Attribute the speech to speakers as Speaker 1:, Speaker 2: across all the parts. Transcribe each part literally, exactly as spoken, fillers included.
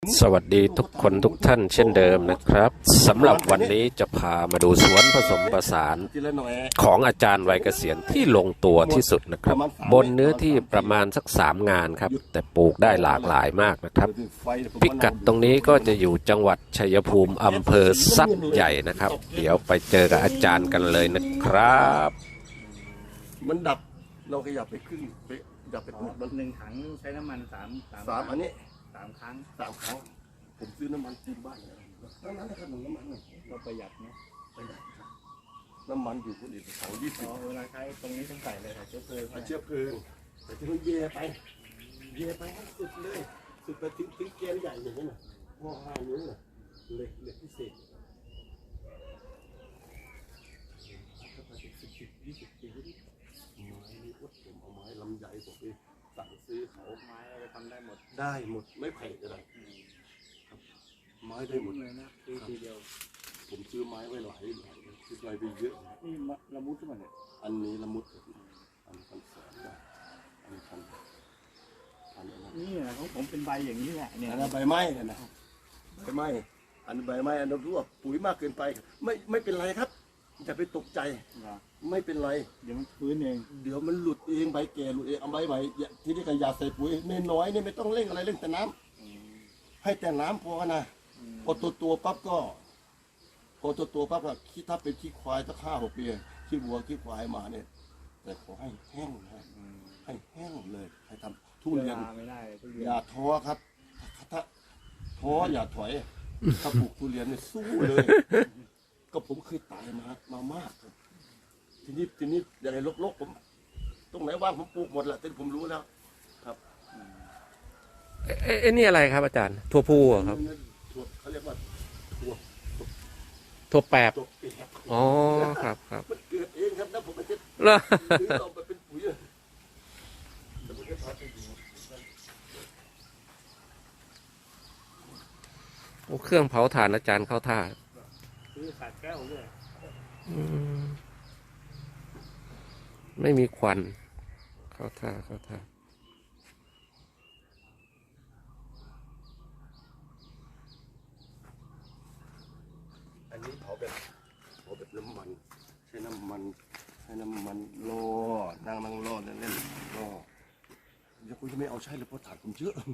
Speaker 1: สวัสดีทุกคนทุกท่านเช่นเดิมนะครับสำหรับวันนี้จะพามาดูสวนผสมผสานของอาจารย์วัยเกษียณที่ลงตัวที่สุดนะครับบนเนื้อที่ประมาณสักสามงานครับแต่ปลูกได้หลากหลายมากนะครับพิกัดตรงนี้ก็จะอยู่จังหวัดชัยภูมิอำเภอสักใหญ่นะครับเดี๋ยวไปเจอกับอาจารย์กันเลยนะครับ
Speaker 2: มันดับเราขยับไปขึ้นไปดับไปมัน
Speaker 3: หนึ่งถังใช้น้ำมันสามสาม
Speaker 2: สามอันนี้
Speaker 3: สามครั้ง
Speaker 2: สามครั้งผมซื้อน้ำมันที่บ้านเลยนั้นนั้นนะครับหนึ่งน้ำมัน
Speaker 3: เราประหยัดนะ
Speaker 2: ประหยัดครับน้ำมันอยู่คนอื่นถังยี่สิบ
Speaker 3: เวลาใช้ตรงนี้ต้องใส่เลยค่ะเชื้อเพลิง
Speaker 2: เชื้อเพลิงแต่ที่มันเย่ไปเย่ไปให้สุดเลยสุดไปถึงถึงแกนใหญ่อย่างนี้นะห่อห้านิ้วนะเหล็กเหล็กพิเศษถ้าไปถึงสิบสิบยี่สิบปีนี่ไม้นี่วัดผมเอาไม้ลำใหญ่ผมไปสั่งซื้อเขา
Speaker 3: ไม้เราทำได้หมด
Speaker 2: ได้หมดไม่แพงอะไรไม้ได้หมด
Speaker 3: เลยนะทีทีเดียว
Speaker 2: ผมซื้อไม้ไว้หลายหลายซื้อไม้ไปเยอะ
Speaker 3: นี่ละมุดขึ้นมาเนี่ย
Speaker 2: อันนี้ละมุดอันนี้พันแสนได้อันนี้พันพันอะไร
Speaker 3: นี่นะของผมเป็นใบอย่างนี้แหละเนี่ย
Speaker 2: อันนั้นใบไม้เนี่ยนะใบไม้อันใบไม้อันนั้นรั่วปุ๋ยมากเกินไปไม่ไม่เป็นไรครับอย่าไปตกใจไม่เป็นไร
Speaker 3: เดี๋ยวมันฟื้นเอง
Speaker 2: เดี๋ยวมันหลุดเองใบแก่หลุดเองเอาใบใหม่ที่นี่ก็ยาใส่ปุ๋ยน้อยนี่ไม่ต้องเร่งอะไรเร่งแต่น้ำให้แต่น้ำพอนะพอตัวตัวปั๊บก็พอตัวตัวปั๊บก็คิดถ้าเป็นขี้ควายสักห้าหกปีขี้วัวขี้ควายมาเนี่ยแต่ขอให้แห้งนะให้แห้งเลยให้ทำทุเรียนอย่าท้อครับถ้าท้ออย่าถอยถ้าปลูกทุเรียนเนี่ยสู้เลยก็ผมเคยตายมามามากครับทีนี้ทีนี้อย่างไรลกๆผมตรงไหนว่างผมปลูกหมดแหละแต่ผมรู้แล้วครับ
Speaker 1: เอ๊ะนี่อะไรครับอาจารย์ถั่วพูครับ
Speaker 2: ถั่วเขาเรียกว่าถั่ว
Speaker 1: ถั่วแปบอ๋อครับครับ
Speaker 2: มันเกิดเองครับนะผมไม่ได้ซื้อเอาไปเป็นปุ๋ยแต่ผมจะทำให้ดู
Speaker 1: โอ้เครื่องเผาถ่านอาจารย์เข้าท่า
Speaker 3: ซื้อขาดแก้วด้วย
Speaker 1: ไม่มีควันเข้าท่าเข้าท่า
Speaker 2: อันนี้เผาแบบเผาแบบน้ำมันใช้น้ำมันใช้น้ำมันรอนั่งนั่งรอเล่นเล่นรอเดี๋ยวคุณจะไม่เอาใช้เลยเพราะถ่านผมเยอะ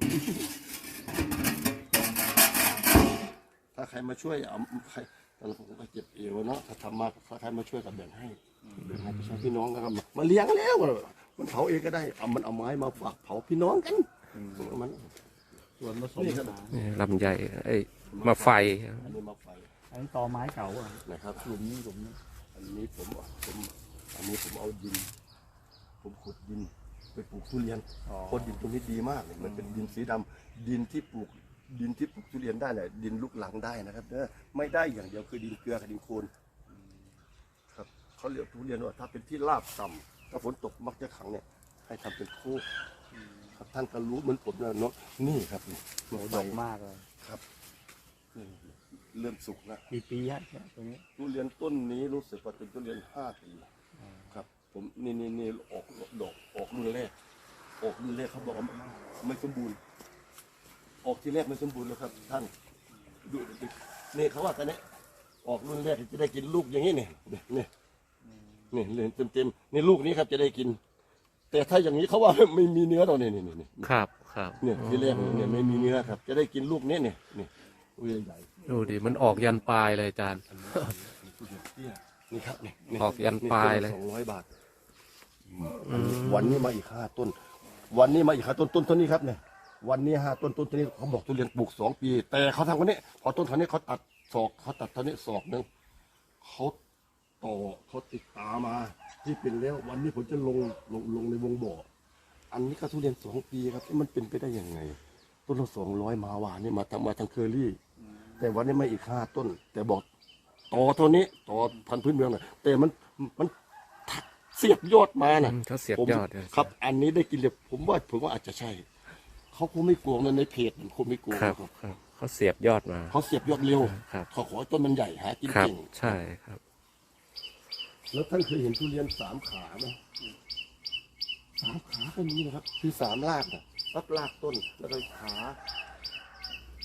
Speaker 2: ถ้าใครมาช่วยเอาใครตอนผมก็เจ็บเอวเนาะถ้าทำมาถ้าใครมาช่วยกับแบ่งให้แบ่งให้พี่น้องพี่น้องกันมาเลี้ยงแล้วมันเผาเองก็ได้เอามันเอาไม้มาฝากเผาพี่น้องกันมันส่วนผสม
Speaker 1: ลำใหญ่ไอ้มาไฟ
Speaker 2: อันนี้มาไฟ
Speaker 3: อันนี้ตอไม้เก่าอ่ะ
Speaker 2: นะครับ
Speaker 3: หลุมนี้หลุมนี้
Speaker 2: อันนี้ผมผมอันนี้ผมเอาดินผมขุดดินไปปลูกทุเรียนเพราะดินตรงนี้ดีมากเลยมันเป็นดินสีดำดินที่ปลูกดินที่ปลูกทุเรียนได้เนี่ยดินลูกหลังได้นะครับเนอะไม่ได้อย่างเดียวคือดินเกลือกับดินโคลนครับเขาเรียกทุเรียนว่าถ้าเป็นที่ราบต่ำถ้าฝนตกมักจะขังเนี่ยให้ทำเป็นโคกครับท่านก็รู้เหมือนผมนะเนาะนี่ครับนี่
Speaker 3: โหดกมากเลย
Speaker 2: ครับเริ่มสุกแล้ว
Speaker 3: กี่ปีฮะตรงนี้
Speaker 2: ทุเรียนต้นนี้รู้สึกว่าเป็นทุเรียนห้าปีครับผมนี่นี่นี่ออกดอกออกรุ่นแรกออกรุ่นแรกเขาบอกว่าไม่สมบูรณ์ออกที่แรกไม่สมบูรณ์แล้วครับท่านดูนี่เขาว่าแต่เนี้ยออกรุ่นแรกจะได้กินลูกอย่างนี้เนี่ยนี่นี่เลยเต็มเต็มนี่ลูกนี้ครับจะได้กินแต่ถ้าอย่างนี้เขาว่าไม่มีเนื้อตอนนี้นี่นี่
Speaker 1: ครับครับ
Speaker 2: เนี่ยที่แรกเนี่ยไม่มีเนื้อครับจะได้กินลูกนี้เนี่ยนี่อุ้ยใหญ่
Speaker 1: ดูดิมันออกยันปลายเลยอาจารย์
Speaker 2: นี่ครับนี่
Speaker 1: ออกยันปลายเลย
Speaker 2: สองร้อยบาทวันนี้มาอีกห้าต้นวันนี้มาอีกห้าต้นต้นต้นนี้ครับเนี่ยวันนี้ห้าต้นต้นต้นนี้เขาบอกทุเรียนปลูกสองปีแต่เขาทำวันนี้พอต้นเท่านี้เขาตัดศอกเขาตัดเท่านี้ศอกหนึ่งเขาต่อเขาติดตามาที่เป็นแล้ววันนี้ผมจะลงลงลงในวงบ่ออันนี้ก็ทุเรียนสองปีครับมันเป็นไปได้ยังไงต้นละสองร้อยมาหวานนี่มาทางมาทางเคอรี่แต่วันนี้มาอีกห้าต้นแต่บอกต่อเท่านี้ต่อพันธุ์พื้นเมืองน่ะแต่มันมันเสียบยอดมาน่ะ
Speaker 1: เขาเสียบยอด
Speaker 2: ครับอันนี้ได้กินเลยผมว่าผมว่าอาจจะใช่เขาคงไม่กลัวนะในเพจมันคงไม่กลัว
Speaker 1: ครับเขาเสียบยอดมา
Speaker 2: เขาเสียบยอดเร็ว
Speaker 1: ครับ
Speaker 2: เขาขอต้นมันใหญ่หากินเก่ง
Speaker 1: ใช่ครับ
Speaker 2: แล้วท่านเคยเห็นทุเรียนสามขาไหมสามขาก็มีนะครับคือสามรากนะรับรากต้นแล้วก็ขาเข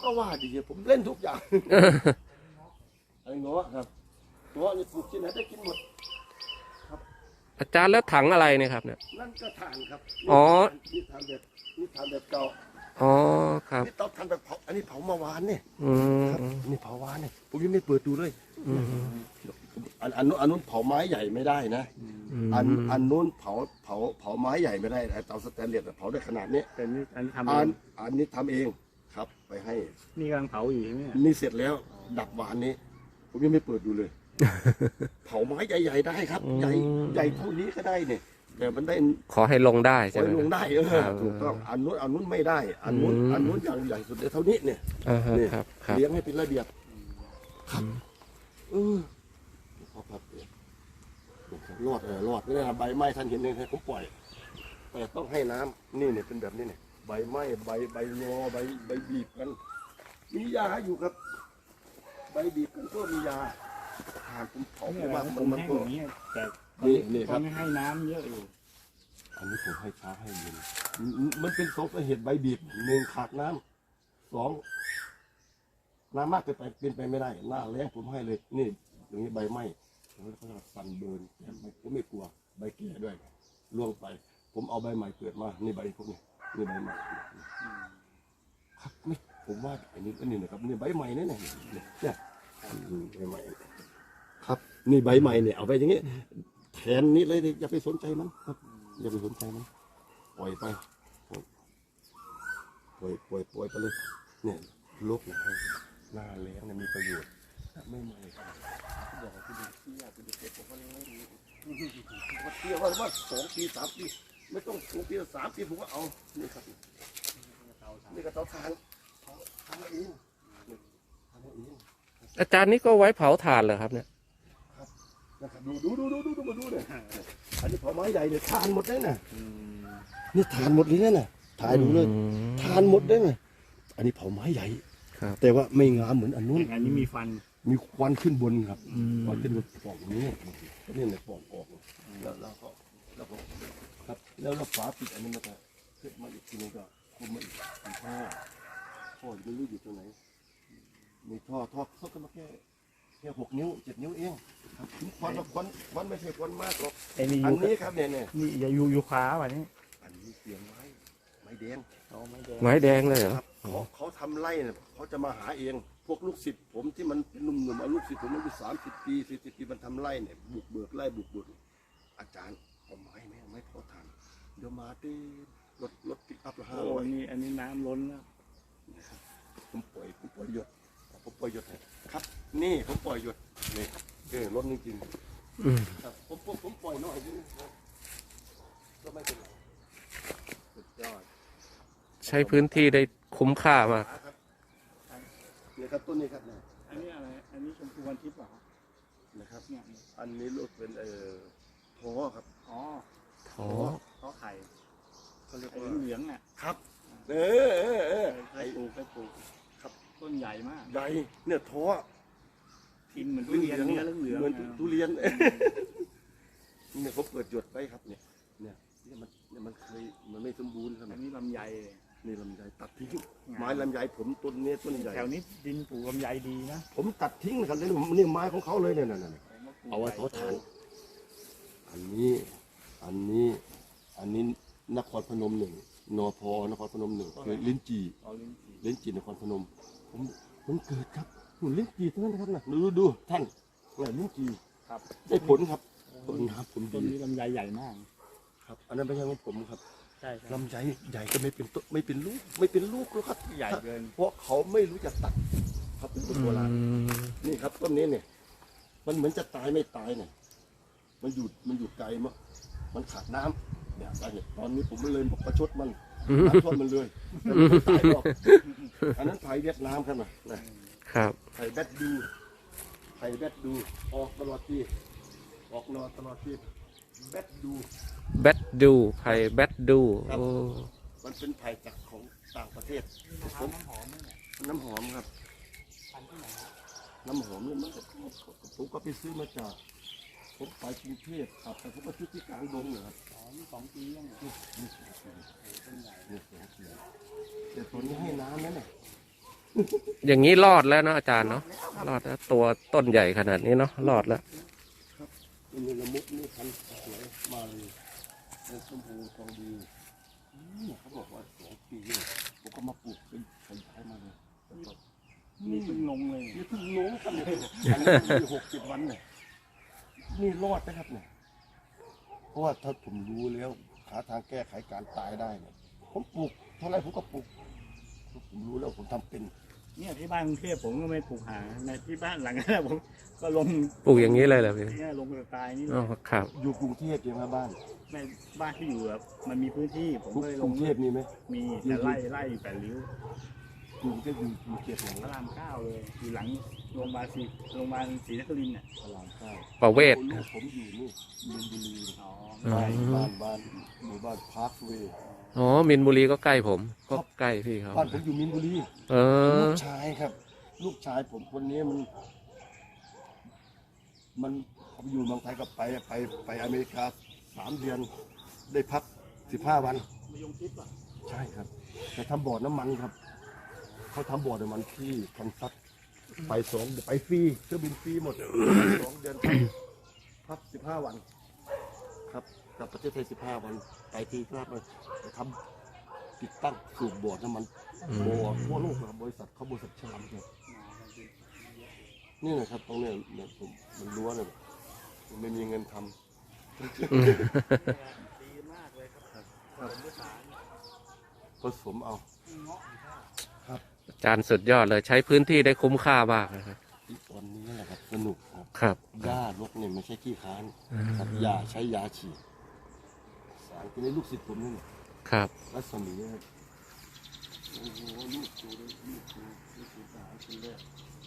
Speaker 2: ก็ว่าดีผมเล่นทุกอย่างไอ้เงาะครับเงาะนี่ปลูกที่ไหนได้กินหมด
Speaker 1: อาจารย์แล้วถังอะไรเนี่ยครับเนี่ย
Speaker 2: นั่นก็ทานครับ
Speaker 1: อ๋อ
Speaker 2: นี่ทานแบบนี่ทานแบบเก่า
Speaker 1: อ๋อครับ
Speaker 2: นี่เตาทานแบบเผาอันนี้เผาเมื่อวานเนี่ย
Speaker 1: อืม
Speaker 2: ครับนี่เผาวานเนี่ยผมยังไม่เปิดดูเลย
Speaker 1: อืม
Speaker 2: อันอันนู้นอันนู้นเผาไม้ใหญ่ไม่ได้นะ อันอันนู้นเผาเผาเผาไม้ใหญ่ไม่ได้ไอ้เตาสแตนเลสอะเผาได้ขนาดนี้
Speaker 3: แต่นี่อันนี้ทำเอ
Speaker 2: อัน
Speaker 3: ง
Speaker 2: อันนี้ทำเองครับ ไปให้
Speaker 3: นี่กำลังเผาอยู่ใช่ไหมเนี่ย
Speaker 2: นี่เสร็จแล้วดับวานนี้ ผมยังไม่เปิดดูเลย เผาไม้ใหญ่ๆได้ครับ ใหญ่ใหญ่เท่านี้ก็ได้เนี่ยแต่มันได้
Speaker 1: ขอให้ลงได้ใช่
Speaker 2: ไว้
Speaker 1: ไหม
Speaker 2: ลงได้เออ
Speaker 1: ครับ
Speaker 2: ถูกต้องอันนู้นอันนู้นไม่ได้ อันนู้น
Speaker 1: อืม
Speaker 2: อันนู้นอย่างใหญ่สุดเลยเท่านี้เนี่ย
Speaker 1: อ่าฮะ
Speaker 2: นี่
Speaker 1: ครับครับ
Speaker 2: เลี้ยงให้เป็นระเบียบครับเออพอพับเปลี่ยนรอดเออรอดไม่ได้นะใบไม้ท่านเห็นเลยผมปล่อย แต่ต้องให้น้ำนี่เนี่ยเป็นแบบนี้เนี่ยใบไม้ใบใบงอใบใบบีบกัน มียาอยู่ครับ ใบบีบกันก็มียาทานผมเผา
Speaker 3: เนี่
Speaker 2: ไป
Speaker 3: ย
Speaker 2: มาก
Speaker 3: ผ
Speaker 2: มัน
Speaker 3: ม
Speaker 2: มัน
Speaker 3: แห้ง
Speaker 2: ก็
Speaker 3: อย่างนี้ยแต่
Speaker 2: นี่นี่ครับ
Speaker 3: ไม่ให้น้ำเยอะอยู่
Speaker 2: อันนี้ผมให้เช้าให้เย็นมันมันเป็นสองสาเหตุใบบีบหนึ่งขาดน้ำสองน้ำมากเกินไปเป็นไปไม่ได้ หน้าแรงผมให้เลย นี่อย่างนี้ใบไหม้แล้วก็ฟันเบิร์นแต่ไม่ผมไม่กลัวใบแก่ด้วยล่วงไป ผมเอาใบใหม่เกิดมานี่ใบพวกนี้นี่ใบใหม่ครับไม่ผมว่าอันนี้อันนี้นะครับนี่ใบใหม่เนี่ยเนี่ยเนี่ยอืมใบใหม่ครับ นี่ใบใหม่เนี่ยเอาไปอย่างนี้แทนนี้เลยอย่าไปสนใจมันครับ อย่าไปสนใจมันปล่อยไปปล่อยปล่อยปล่อยไปเลยเนี่ยลบนะหน้าแล้งเนี่ยมีประโยชน์ไม่ไม่ครับอยากให้ดูเที่ยวไปดูเก็บผมก็ไม่รู้ว่าเที่ยวว่าว่าสองปีสามปีไม่ต้องสองปีสามปีผมก็เอานี่ครับนี่ก็เตาถ่านทำเองทำเอง
Speaker 1: อาจารย์นี่ก็ไว้เผาถ่านเหรอครับเนี่ย
Speaker 2: นะครับดูดูดูดูดูดูมาดูเนี่ยอันนี้เผาไม้ใหญ่เนี่ยทานหมดเลยนะนี่ทานหมดเลยนะถ่ายดูเลย ทานหมดได้ไหมอันนี้เผาไม้ใหญ่
Speaker 1: ครับ
Speaker 2: แต่ว่าไม่งามเหมือนอันนู้น
Speaker 3: อันนี้มีฟัน
Speaker 2: มีควันขึ้นบนครับ
Speaker 1: อืม
Speaker 2: ควันขึ้นบนปล่องนี้นี่เนี่ยปล่องออกแล้วเราก็แล้วก็ครับแล้วเราฝาปิดอันนี้มันจะขึ้นมาอีกทีนึงก็คุมมาอีกมีท่อท่อไม่รู้อยู่ตรงไหนมีท่อท่อเขาก็มาแค่แค่หกนิ้วเจ็ดนิ้วเองครับควันควันควันไม่ใช่ควันมากหรอก
Speaker 3: ไอ้นี่
Speaker 2: อัน
Speaker 3: ยู
Speaker 2: นี้ครับเนี่ยเนี่ย
Speaker 3: นี่อย่ายูยูคาว่ะนี่
Speaker 2: อันนี้เสียงไม้ไม้แดง
Speaker 3: เอาไม่แดง
Speaker 1: ไม้แดงเลยเหรอ
Speaker 2: ครับเขาเขาทำไร่เนี่ยเขาจะมาหาเอง พวกลูกศิษย์ผมที่มันเป็นหนุ่มๆเอาลูกศิษย์ผมมันอยู่สามสิบปีสี่สิบปีมันทำไร่เนี่ยบุกเบิกไร่บุกเบิกอาจารย์เอาไม้ไหมเอาไม้พอทานเดี๋ยวมาตีรถรถปิกอัพละห้า
Speaker 3: โอ้
Speaker 2: ร้อย
Speaker 3: นี่อันนี้น้ำล้นแล้ว
Speaker 2: ผมปล่อยผมปล่อยหยดผมปล่อยหยดให้ครับ นี่ผมปล่อยหยดนี่เออรถจริง
Speaker 1: อืม
Speaker 2: ๆครับผมผมผมปล่อยหน่อยนึงก็ไม่เป็นไรสุดยอด
Speaker 1: ใช้พื้นที่ได้คุ้มค่ามาก
Speaker 2: ครับเนี่ยครับต้นนี้ครับเนี่ย
Speaker 3: อันนี้อะไรอันนี้ชมพูวันทิพย์เหรอ
Speaker 2: นะครับ
Speaker 3: เนี่ย
Speaker 2: อันนี้ลูกเป็นเอ่อท้อครับ
Speaker 3: อ๋อ
Speaker 1: ท้อ
Speaker 3: ท้อไข่
Speaker 2: เขาเรียก
Speaker 3: ไอ้
Speaker 2: ว่า
Speaker 3: เหลืองๆอ่ะ
Speaker 2: ครับเออเออเออ
Speaker 3: เคยปลูกเคยปลูก
Speaker 2: ครับ
Speaker 3: ต้นใหญ่มาก
Speaker 2: ใหญ่เนี่ยท้อ
Speaker 3: กินเหมือนทุเรียนเนื้อเหลืองๆ
Speaker 2: เหมือน
Speaker 3: อะ
Speaker 2: ทุเรียนเนี่ยเขาเปิดหยดไว้ครับเนี่ยเนี่ยเนี่ยมันเนี่ยมันเคยมันไม่สมบูรณ์ครับ
Speaker 3: อันนี้ลำไยเลย
Speaker 2: นี่ลำไยตัดทิ้งไม้ลำไยผมต้นเนี้ยต้นใหญ่
Speaker 3: แถวนี้ดินปลูกลำไยดีนะ
Speaker 2: ผมตัดทิ้งนะครับนี่นี่ไม้ของเขาเลยเนี่ยเนี่ยเนี่ยเอาไว้เขาทานอันนี้อันนี้อันนี้นครพนมหนึ่งนพนครพนมหนึ่งคือลิ้นจี่
Speaker 3: เอาลิ้นจี่
Speaker 2: ลิ้นจี่นครพนม ผมผมเกิดครับหุ่นลิ้นจี่ทั้งนั้นนะครับนะดูดูท่านเนี่ยลิ้นจี่
Speaker 3: ครับ
Speaker 2: ได้ผลครับต้นน้ำผม
Speaker 3: ต้น
Speaker 2: ดี
Speaker 3: นี้ลำไยใหญ่มาก
Speaker 2: ครับ อันนั้นไม่ใช่ของผมครับ
Speaker 3: ใช่ครับ
Speaker 2: ลำไยใหญ่ก็ไม่เป็นต้นไม่เป็นลูกไม่เป็นลูกแล้วครับ
Speaker 3: ใหญ่เกิน
Speaker 2: เพราะเขาไม่รู้จักตัดครับเป็นต้นโบราณ
Speaker 1: อืม
Speaker 2: นี่ครับต้นนี้เนี่ย มันเหมือนจะตายไม่ตายเนี่ยมันอยู่มันอยู่ไกลมั้งมันขาดน้ำเนี่ยสาเหตุตอนนี้ผมเลยบอกประชดมันน้ำท่วมมันเลยแต่มันไม่ตายหรอกอันนั้นไผ่เวียดนามครับนะนะครับ ไผ่แบดดูไผ่แบดดูออกตลอดที่ออกนอนตลอดที่แบดดู
Speaker 1: แบดดูไผ่แบดดูโอ้
Speaker 2: มันเป็นไผ่จากของต่างประเทศผม
Speaker 3: น้ำหอมเนี่ย
Speaker 2: น้ำหอมครับ
Speaker 3: พันที่ไหนครับ
Speaker 2: น้ำหอมเนี่ยมันก็ผมก็ไปซื้อมาจากผมไปกรุงเทพครับแต่ผมก็ซื้อที่กลางดงเหรอครับ
Speaker 3: อ๋อนี่สองปียังเนี่ย
Speaker 2: นี่สองปี
Speaker 3: ต้นใหญ่
Speaker 2: นี่สองปีแต่ตัวนี้ให้น้ำนั่นแหละ
Speaker 1: อย่างนี้รอดแล้วเนาะอาจารย์เนาะรอดแล้วตัวต้นใหญ่ขนาดนี้เนาะรอดแล้ว
Speaker 2: นี่ละมุดนี่พันธุ์สวยมาเลยเป็นชมพูทองดีอืมเขาบอกว่าสองปีเนี่ยผมก็มาปลูกเป็นขยายมาเลยแต่ก็
Speaker 3: นี่เพิ่งลงเลย
Speaker 2: นี่เพิ่งลงครับเนี่ยอันนี้มีหกเจ็ดวันเนี่ยนี่รอดนะครับเนี่ยเพราะว่าถ้าผมรู้แล้วหาทางแก้ไขการตายได้เนี่ยผมปลูกเท่าไรผมก็ปลูกผมรู้แล้วผมทำเป็น
Speaker 3: เนี่ยที่บ้านกรุงเทพผมก็ไม่ปลูกหาในที่บ้านหลังนั้นผมก็ลง
Speaker 1: ปลูกอย่างนี้เลยเหรอพี่
Speaker 3: เนี่ยลงสไตล์นี่
Speaker 1: อ๋อครับ
Speaker 2: อยู่กรุงเทพใช่ไหมบ้าน
Speaker 3: ในบ้านที่อยู่แบบมันมีพื้นที่ผมก็เลย
Speaker 2: ก
Speaker 3: ล
Speaker 2: รุ
Speaker 3: ง
Speaker 2: งเทพมีไหม
Speaker 3: มีแต่ไล่ไล่อยู่แปดริ้ว
Speaker 2: กรุงเทพอยู่อยู่เขตไหน
Speaker 3: พระรามเก้าเลยอยู่หลังโรงพยาบาลศรีโรงพยาบาลศรีนครินทร์เนี่ย
Speaker 2: พระรามเก้า
Speaker 1: ประเวศ
Speaker 2: ลูกผมอยู่นี่มินบุรี
Speaker 3: อ๋อ
Speaker 2: บ้านบ้านบ้านหมู่บ้านพาร์คเวย์
Speaker 1: อ๋อมินบุรีก็ใกล้ผม ก็ใกล้พี่เขา
Speaker 2: บ้านผมอยู่มินบุรี
Speaker 1: เอ
Speaker 2: ลู
Speaker 1: อก
Speaker 2: ชายครับ ลูกชายผมคนนี้มัน มันเขาอยู่เมืองไทยก็ไปไปไปอเมริกาสามเดือน ได้พักสิบห้าวัน
Speaker 3: มายงชิดป่ะ
Speaker 2: ใช่ครับแต่ทำบ่อน้ำมันครับ เขาทำบ่อน้ำมันที่คันซัสไปสองไปฟรีเครื่องบินฟรีหมดสองเดือนพักสิบห้าวัน ครับกลับประเทศไทยสิบห้าวันไปทีครับเลยไปทำติดตั้งสูบบ่อน้ำมันบ่อทั่วโลกครับบริษัทเขาบริษัทชามครับนี่นะครับตรงเนี้ยเนี่ยผมมันรั้วเนี่ยผมไม่มีเงินทำ
Speaker 3: ดีมากเลยครับ
Speaker 2: ครับผสมเอา
Speaker 1: อาจารย์สุดยอดเลยใช้พื้นที่ได้คุ้มค่ามากนะครับ
Speaker 2: ที่ตอนนี้แหละครับสนุกครับ
Speaker 1: ครับ
Speaker 2: หญ้ารกเนี่ยไม่ใช่ขี้ค้าน
Speaker 1: อืม
Speaker 2: ครับยาใช้ยาฉีดสารที่ในลูกศิษย์ผมนี่แหละ
Speaker 1: ครับ
Speaker 2: รัศมีครับโอ้โหลูกดูเลยลูกดูลูกดูทหารคนแรก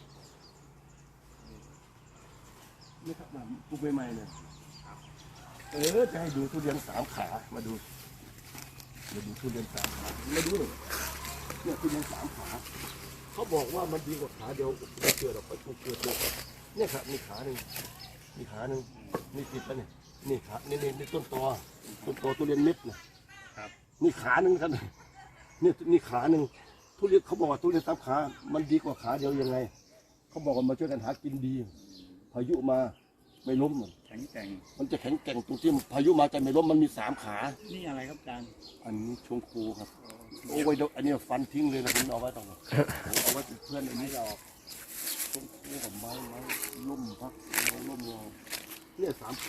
Speaker 2: นี่ครับมาปลูกใหม่ๆเนี่ยเออจะให้ดูทุเรียนสามขามาดูมาดูทุเรียนสามขามาดูเลยเนี่ยทุเรียนสามขาเขาบอกว่ามันดีกว่าขาเดียวไม่เกิดหรอกไม่เกิดเลยเนี่ยครับมีขาหนึ่งมีขาหนึ่งนี่ติดแล้วเนี่ยนี่ขานี่นี่นี่ต้นตอต้นตอทุเรียนเม็ดเนี่ยนี่ขาหนึ่งครับนี่นี่ขาหนึ่งทุเรียนเขาบอกว่าทุเรียนสามขา มันดีกว่าขาเดียวยังไงเขาบอกว่ามาช่วยกันหากินดี พายุมาไม่ล้มหรอก
Speaker 3: แข็งแกร่ง
Speaker 2: มันจะแข็งแกร่งตรงที่พายุมาจะไม่ล้มมันมีสามขา
Speaker 3: นี่อะไรครับอาจารย์
Speaker 2: อันนี้ชงคูครับโอ้ยอันนี้ฟันทิ้งเลยนะผมเอาไว้ตรงนี้ผมเอาไว้เป็นเพื่อนอันนี้เราชงคูกับไม้ไม้ล่มพักไม้ล่มเราเนี่ยสามขา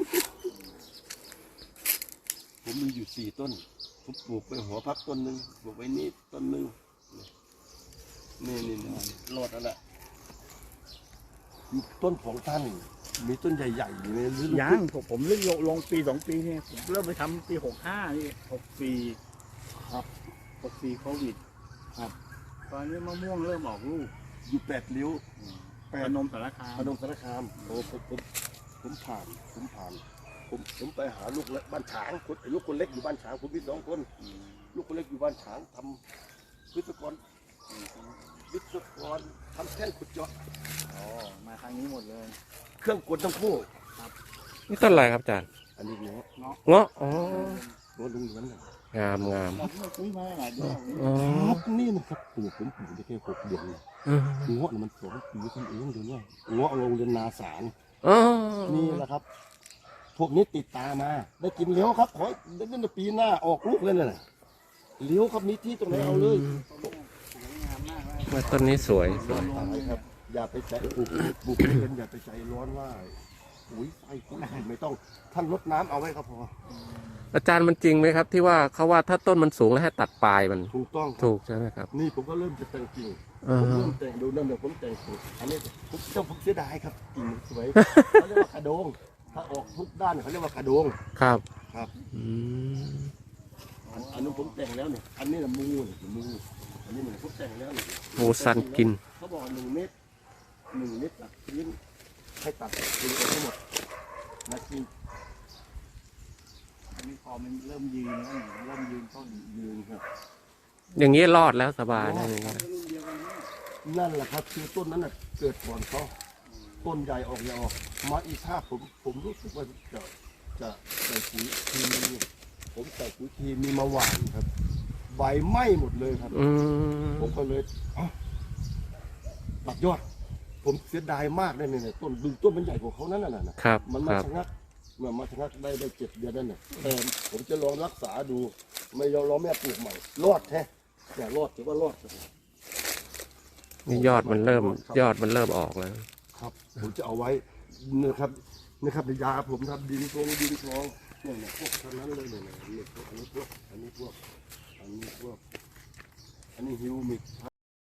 Speaker 2: ผมมีอยู่สี่ต้นผมปลูกไปหัวพักต้นหนึ่งปลูกไว้นี่ต้นหนึ่งนี่นี่นี่รอดแล้วแหละต้นของท่านมีต้นใหญ่ๆอยู่ในฤดู
Speaker 3: ยังผมผมเริ่มลงลงปีสองปีเนี่ยผมเริ่มไปทำปีหกห้านี่หกสี่ครับหกสี่โควิด
Speaker 2: ครับ
Speaker 3: ตอนนี้มะม่วงเริ่มออกลูก
Speaker 2: อยู่แปดริ้ว
Speaker 3: แปดนมสารคาม
Speaker 2: พนมสารคามโอ้ผมผมผมผ่านผมผ่านผมผมไปหาลูกเล็กบ้านฉางคนลูกคนเล็กอยู่บ้านฉางผมมีสองคน ลูกคนเล็กอยู่บ้านฉางทำวิศวกรวิศวกรทำแท่นขุดเจาะ
Speaker 3: อ๋อมาทางนี้หมดเลย
Speaker 2: เครื่องกลทั้งคู่
Speaker 1: นี่ต้นอะไรครับอาจารย์
Speaker 2: อันนี้เนาะ
Speaker 1: เงาะอ๋อ
Speaker 2: โน้ตลุงเหมือนกัน
Speaker 1: งามงาม
Speaker 3: เราเพิ่งซื้อมาหลายเดือน
Speaker 1: อ๋อ
Speaker 2: ครับนี่นะครับปลูกผมปลูกได้แค่หกเดือนเนี่ย
Speaker 1: อืม
Speaker 2: เงาะเนี่ยมันสองปีขึ้นเองเดี๋ยวนี้เงาะโรงเรียนนาสาร
Speaker 1: อ๋อ
Speaker 2: นี่แหละครับ พวกนี้ติดตามา ได้กินเลี้ยวครับ ขอได้เล่นปีหน้าออกลูกเลยนะเลี้ยวครับมีที่ตรงไหนเอาเลย
Speaker 3: สวยงามมากเลย
Speaker 1: ว่าต้นนี้สวยสวย
Speaker 2: ตายครับ อย่าไปใจปลูกปลูกทุเรียนอย่าไปใจร้อนว่าอุ้ยไฟคุณไม่ต้องท่านรดน้ำเอาไว้ครับพอ
Speaker 1: อาจารย์มันจริงไหมครับ ที่ว่าเขาว่าถ้าต้นมันสูงแล้วให้ตัดปลายมัน
Speaker 2: ถูกต้องครับ
Speaker 1: ถูกใช่ไหมครับ
Speaker 2: นี่ผมก็เริ่มจะแต่งกิ่ง
Speaker 1: อ่า
Speaker 2: ผม
Speaker 1: ฮะ
Speaker 2: เริ่มแต่งดูนั่นเดี๋ยวผมแต่งกิ่งอันนี้ผมเจ้าผมเสียดายครับกิ่งสวยเขาเรียกว่ากระโดง ถ้าออกทุกด้านเขาเรียกว่ากระโดง
Speaker 1: ครับ
Speaker 2: ครับ
Speaker 1: อืม
Speaker 2: อันอันนู้นผมแต่งแล้วเนี่ย อันนี้นะมูเนี่ยมูอันนี้เหมือนผมแต่งแล้วเนี่ย
Speaker 1: โมซันกิน
Speaker 2: เขาบอกหนึ่งเมตรหนึ่งเมตรหลักพื้นให้ตัดทิ้งออกทั้งหมดนะจริง
Speaker 3: อันนี้พอมันเริ่มยืนแล้วเนี่ยเริ่มยืนต้น
Speaker 2: ยืนครับ
Speaker 1: อย่างนี้รอดแล้วสบายนะอย่างนี้นะ
Speaker 3: รุ่นเดียวกันเนี่ย
Speaker 2: นั่นแหละครับคือต้นนั้นน่ะเกิดก่อนเขาต้นใหญ่ออกใหญ่ออก มาอีกท่าผมผมรู้สึกว่าจะจะใส่ปุ๋ยทีผมใส่ปุ๋ยทีมีมาหวานครับ ใบไหม้หมดเลยครับ
Speaker 1: อืม
Speaker 2: ผมก็เลยเอ้าบักยอด ผมเสียดายมากเลยเนี่ยต้นดูต้นมันใหญ่กว่าเขานั่นน่ะนะครับ มันมา
Speaker 1: ครับ
Speaker 2: ชะงักเมื่อมาชะงักได้ได้เจ็ดเดือนนั่นน่ะแต่ผมจะลองรักษาดู ไม่ยอมรอแม่ปลูกใหม่รอดแท้แต่รอดถือว่ารอด
Speaker 1: นี่ยอดมันเริ่มยอดมันเริ่มออกแล้ว
Speaker 2: ครับผมจะเอาไว้นะครับนะครับในยาผมทำดินทงดินทองเนี่ยเนี่ยพวกทั้งนั้นเลยเนี่ยเนี่ยอันนี้พวกอันนี้พวกอันนี้พวกอันนี้พวกอันนี้ฮิวมิก